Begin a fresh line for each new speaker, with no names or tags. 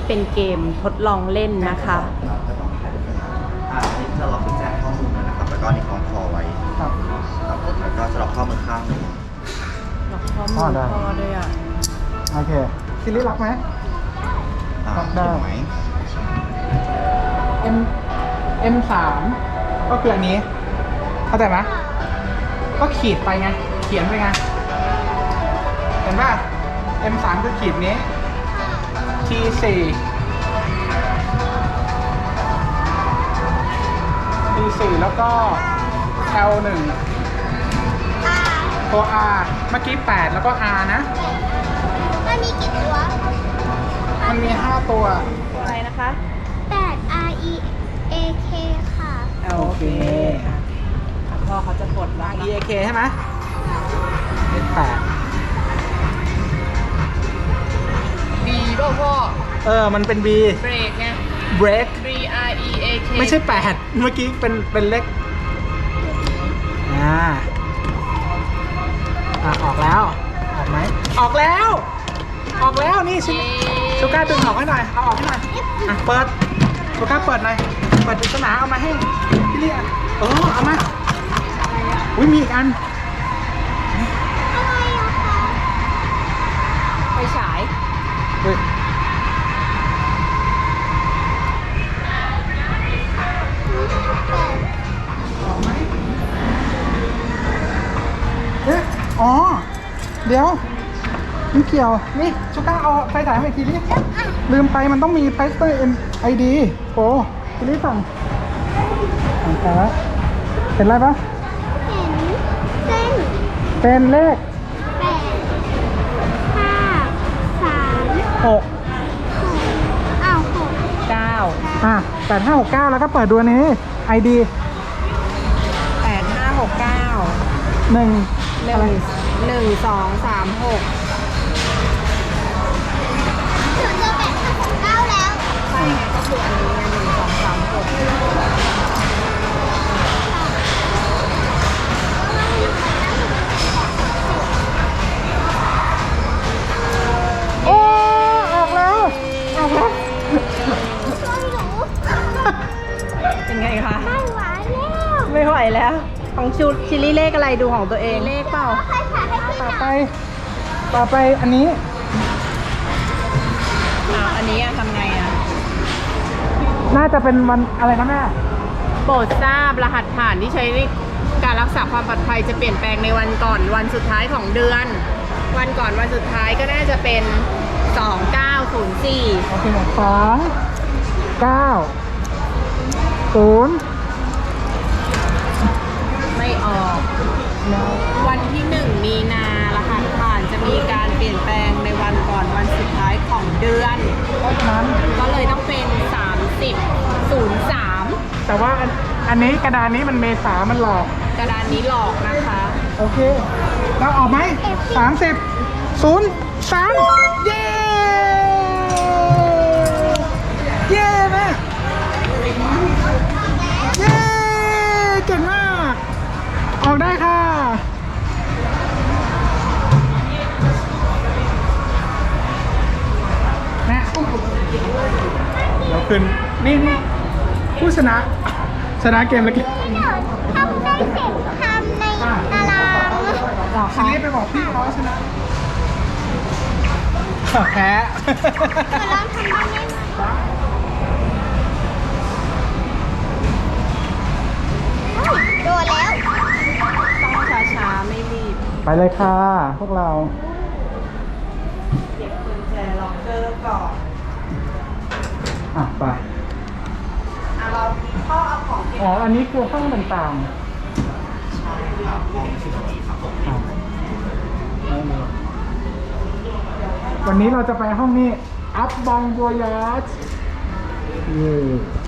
เป็นเกมทดลองเล่นนะคะ
ก็ต้องถ่ายเป็นนี่จะล็อกกุญแจข้อมือนะครับแล้วก็นี่คล้องคอไว้ครับแล้วก็จะล็อกข้อมือข้างนึง
ล็อกข้อมือพ่อด้วยอ่ะ
โอเคซิลิล็อกไหมล็อกได้
ไหม
M3 ก็คืออันนี้เข้าใจไหมก็ขีดไปไงเขียนไปไงเห็นป่ะ M3 คือขีดนี้ T4 แล้วก็ L1 ตัว R เมื่อกี้8แล้วก็ R นะ
มันมีกี่ตัว
มันมี5ตัว
อะไรนะคะ
8 R E A K ค่ะ
โอเคพ่อเขาจะกดว่า
E A K ใช่ไหมเป็น8
บีป่ะพ่อ
มันเป็น B
เบรกไง
break
B R E A K
ไม่ใช่8เมื่อกี้เป็นเลขออกแล้วออกไหมออกแล้วนี่ชูก้าดึงออกให้หน่อยเอาออกให้หน่อยเปิดชูก้าเปิดหน่อยเปิดปริศนาเอามาให้พี่เรียเอามาอุ้ยมีอีกอัน
อะไรอะคะ
ไปฉาย
ออกไหมเดี๋ยวไม่เกี่ยวนี่ชูก้าเอาไฟฉายมาอีกทีนี้ลืมไปมันต้องมีไฟสเตอร์ID โอ้ทีนี้สั่งไปแล้วเห็นอะไรปะ
เห็น
เป็นเลข
8 5 3
6
6
8569แล้วก็เปิดดูอันนี้ ID
8569 1 2 3 6
ถึงจะ8 5 6 9แล้ว
ใช่ไงก็คืออันนี้ไง1 2 3 6
โอ้ออกแล้ว
เป็นไงคะ
ไม่ไหวแล้ว
ไม่ไหวแล้ว ของชิลลี่เลขอะไรดูของตัวเองเลขเปล่า
ต่อไปอันนี้
อันนี้ทำไง
น่าจะเป็นวันอะไรนะแม่
โปรดทราบรหัสผ่านที่ใช้ในการรักษาความปลอดภัยจะเปลี่ยนแปลงในวันก่อนวันสุดท้ายของเดือนวันก่อนวันสุดท้ายก็น่าจะเป็น2904
โอเค2 9 0
ไม่ออกวันที่1มีนารหัสผ่านจะมีการเปลี่ยนแปลงในวันก่อนวันสุดท้ายของเดือน
เพราะฉะนั้น
ก็เลยต้องเป็น3003
แต่ว่าอันนี้กระดานนี้มันเมษามันหลอก
กระดานนี้หลอกนะคะ
โอเคเราออกไหม30 03เย้แม่เย้เก่งมากออกได้ค่ะแม่เดี๋ยวขึ้นนี่ผู้ชนะเกมเล็ก
ทำได้เสร็จทำในตาราง
ทีนี้ไปบอกพี่เขาชนะแพ้
เราทำได้ไหมโดดแล้ว
ต้องช้าๆไม่รีบ
ไปเลยค่ะพวกเรา
เก็บกุญแจล็อกเกอร์ก่อน
ไป
เราพ่อเอาของเก็บ
อันนี้คือห้องต่างๆวันนี้เราจะไปห้องนี้อัพบองบัวยาช